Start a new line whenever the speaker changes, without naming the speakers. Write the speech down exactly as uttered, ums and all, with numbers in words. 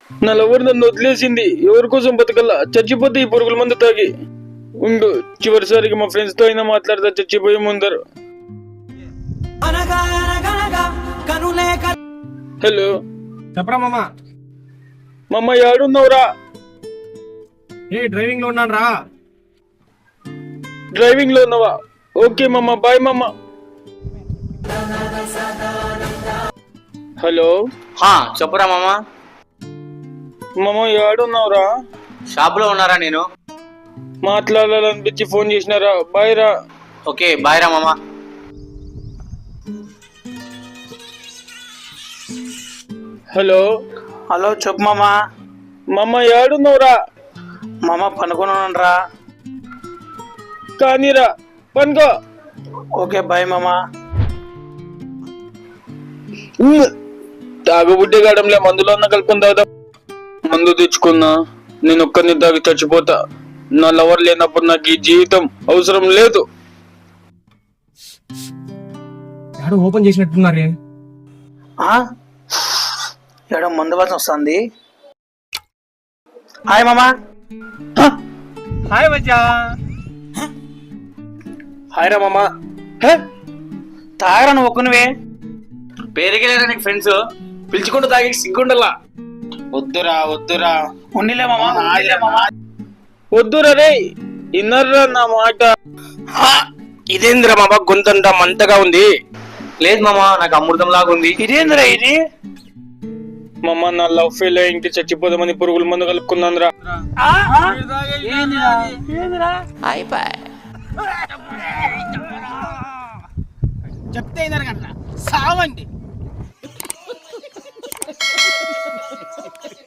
నా లవర్ నన్ను వదిలేసింది. ఎవరి కోసం బతకల్లా, చచ్చిపోతే ఈ పురుగుల మందు తాగి. ఉండు, చివరిసారికి మా ఫ్రెండ్స్ తో అయినా మాట్లాడతా చచ్చిపోయే ముందరు. హలో
చెప్పరా మామ.
మమ్మ ఏడున్నావురా?
ఏ డ్రైవింగ్ లో ఉన్నాను రా.
డ్రైవింగ్ లో ఉన్నావా? ఓకే మమ్మ, బాయ్ మమ్మ. హలో
చెప్పురా మామ.
మమ్మ ఏడున్నావురా?
షాప్ లో ఉన్నారా? నేను
మాట్లాడాలనిపించి ఫోన్ చేసినారా? బాయ్ రా.
ఓకే బాయ్ రా మామ.
హలో
హలో చెప్పు మామా.
మమ్మ ఏడున్నావురా?
మామ పనుకున్నాను రా.
కానీరా, పనుకో.
ఓకే బాయ్ మామా.
తాగుబుడ్డి గాడంలే, మందులో ఉన్న కలుపుకొని తాగుదా. మందు తెచ్చుకున్నా, నేను ఒక్కరిని తాగి చచ్చిపోతా. నా లవర్ లేనప్పుడు నాకు ఈ జీవితం అవసరం లేదు.
ఎవరు ఓపెన్ చేసినట్టున్నారే.
ఎక్కడ మందు వాసన వస్తుంది. హాయ్ మామా.
హాయ్ బచ్చా.
హాయ్ రా మామా. తాగరా నువ్వు ఒక్కనివే.
పేరుకెళ్ళారా నీకు ఫ్రెండ్స్? పిలుచుకుంటూ తాగి సిగ్గుండలా.
వద్దురా వద్దురా.
ఉన్నిలే మామా, ఉన్నిలే మామా.
వద్దురా రే, ఇన్నర్రా నా మాట.
ఇదేందిరా మామా, గొంతంతా మంతగా ఉంది.
లేదు మామ, నాకు అమృతం లాగా ఉంది.
ఇదేందిరా ఇది?
మమ్మ నా లవ్ ఫెయిల్ అయ్యి చచ్చిపోదామని పురుగుల మందు కలుపుకున్నాను రా.
చెప్తే సావండి.